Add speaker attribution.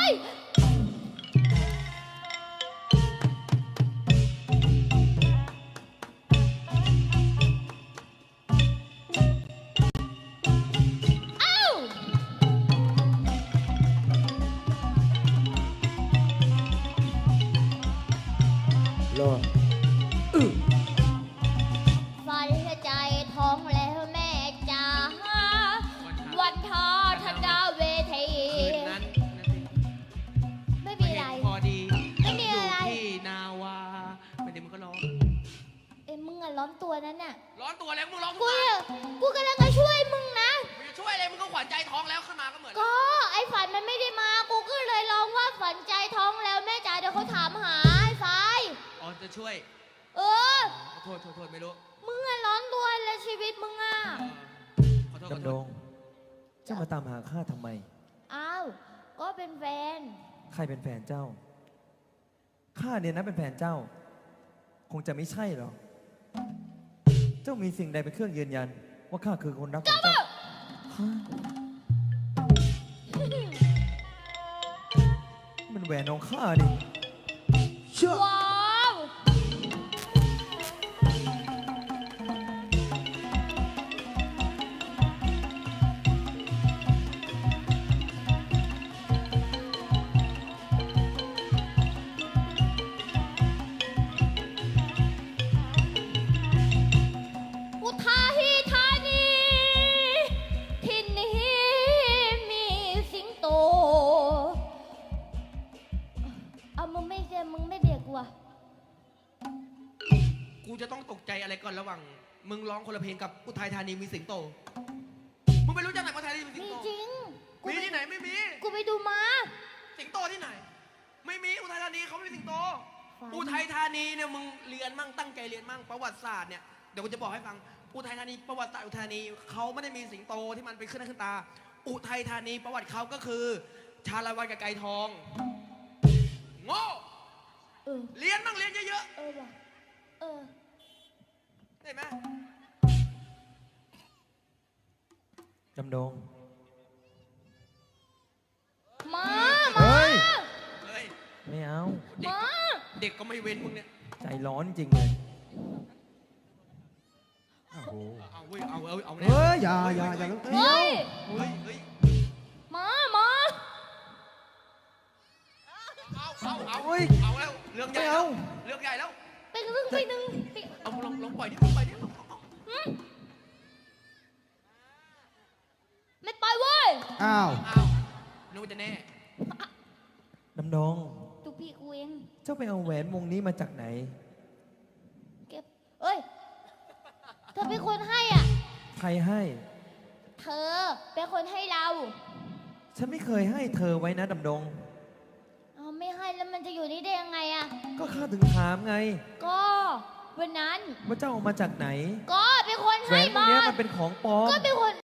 Speaker 1: ย
Speaker 2: รอ
Speaker 1: ฝันใจท้องแล้วแม่จ๋าวันทอธนาเวที
Speaker 3: คืนนั้นนะสิ
Speaker 1: ไม่มีอะไร
Speaker 3: พอดี
Speaker 1: ไม่มีอะไร
Speaker 3: ยู่ที่นาวาไม่ได้มึงก็ร้อง
Speaker 1: เอ้ยมึงอะร้อนตัวนั้นน่ะ
Speaker 3: ร้อนตัวแล้วมึงร้อง
Speaker 1: กูเนี่ยกูกำลังจะช่วยมึงนะ
Speaker 3: มึงจะช่วยอะไรมึงก็ขวัญใจท้องแล้วขึ้นมาก็เหมือน
Speaker 1: ก็ไอ้ฝันมันไม่ได้มากูก็เลยร้องว่าฝันใจท้องแล้วแม่จ๋าเดี๋ยวเขาถามหาไอ้ไฟ
Speaker 3: อ๋อจะช่วย
Speaker 1: เออ
Speaker 3: โทษไม่รู้
Speaker 1: มึงอะร้อนตัวแล้วชีวิตมึงอะ
Speaker 3: ขอโทษ
Speaker 2: ดำดงเจ้ามาตามหาข้าทำไม
Speaker 1: อ้าวก็เป็นแฟน
Speaker 2: ใครเป็นแฟนเจ้า ข้าเนี่ยนะเป็นแฟนเจ้า คงจะไม่ใช่หรอก เจ้ามีสิ่งใดเป็นเครื่องยืนยัน ว่าข้าคือคนรักของเจ้าฮะมันแหวนของข้าดิเชื่อ
Speaker 1: ว้าวอุทัยธานีที่นี่มีสิงโตเอามึงไม่เด็กว่ะ
Speaker 3: กูจะต้องตกใจอะไรก่อนระหว่างมึงร้องคนละเพลงกับอุทัยธานีมีสิงโตมึงไม่รู้จักไหนอุทัยธานีมีสิง
Speaker 1: มี
Speaker 3: โต
Speaker 1: จริง กู
Speaker 3: มี
Speaker 1: ไป
Speaker 3: ที่ไหนไม่มี
Speaker 1: กูไปดูมา
Speaker 3: สิงโตที่ไหน ไม่มีอุทัยธานีเขาไม่มีสิงโต
Speaker 1: ฝัน
Speaker 3: อุทัยธานีเนี่ยมึงเรียนมั่งตั้งใจเรียนมั่งประวัติศาสตร์เนี่ยเดี๋ยวกูจะบอกให้ฟังอุทัยธานีประวัติศาสตร์อุทัยธานีเขาไม่ได้มีสิงโตที่มันเป็นขึ้นหน้าขึ้นตา อุทัยธานีประวัติเขาก็คือ ชาละวันกับไก่ทองโง่
Speaker 1: เออ
Speaker 3: เรียนมั่งเรียนเยอะ
Speaker 1: เออว่ะเออ
Speaker 3: ๆได้ไหม
Speaker 2: ดำดง
Speaker 1: มา
Speaker 2: เฮ้ย
Speaker 3: เฮ้ย
Speaker 2: ไม่เอา
Speaker 3: เด็ก
Speaker 1: มา
Speaker 3: เด็กก็ไม่เว้นมึงเนี่ย
Speaker 2: ใจร้อนจริงเลยโอ้โห
Speaker 3: เอาเว้ยเอาแน่
Speaker 2: เฮ้ย อย่า
Speaker 1: เฮ้ย
Speaker 3: เฮ้ย
Speaker 1: มา
Speaker 3: เอา
Speaker 2: เฮ้ย
Speaker 3: เอาแล้วเรื่องใหญ่
Speaker 2: ไม่
Speaker 3: แล้
Speaker 2: เอา
Speaker 3: วเรื่องใหญ่แล้ว
Speaker 1: ไปนึงไปนึงไป
Speaker 3: เอาลองปล่อยดิปล่อยดิเอา
Speaker 1: ไม่ไปเว้ย
Speaker 4: อ้าว
Speaker 3: เอานึกว่าจะแน่
Speaker 2: ดำดง
Speaker 1: ตุกพี่กูเอง
Speaker 2: เจ้าไปเอาแหวนวงนี้มาจากไหน
Speaker 1: เก็บเอ้ย เธอเป็นคนให้อ่ะ
Speaker 2: ใครให้
Speaker 1: เธอเป็นคนให้เรา
Speaker 2: ฉันไม่เคยให้เธอไว้นะดำดง
Speaker 1: เอาไม่ให้แล้วมันจะอยู่นี่ได้ยังไงอ่ะ
Speaker 2: ก็ข้าถึงถามไง
Speaker 1: ก็วันนั้น
Speaker 2: ว่าเจ้าเอามาจากไหน
Speaker 1: ก็เป็นคน
Speaker 2: แหว
Speaker 1: ให้
Speaker 2: นวง
Speaker 1: มา
Speaker 2: นี้มันเป็นของปลอม
Speaker 1: ก็เป็นคน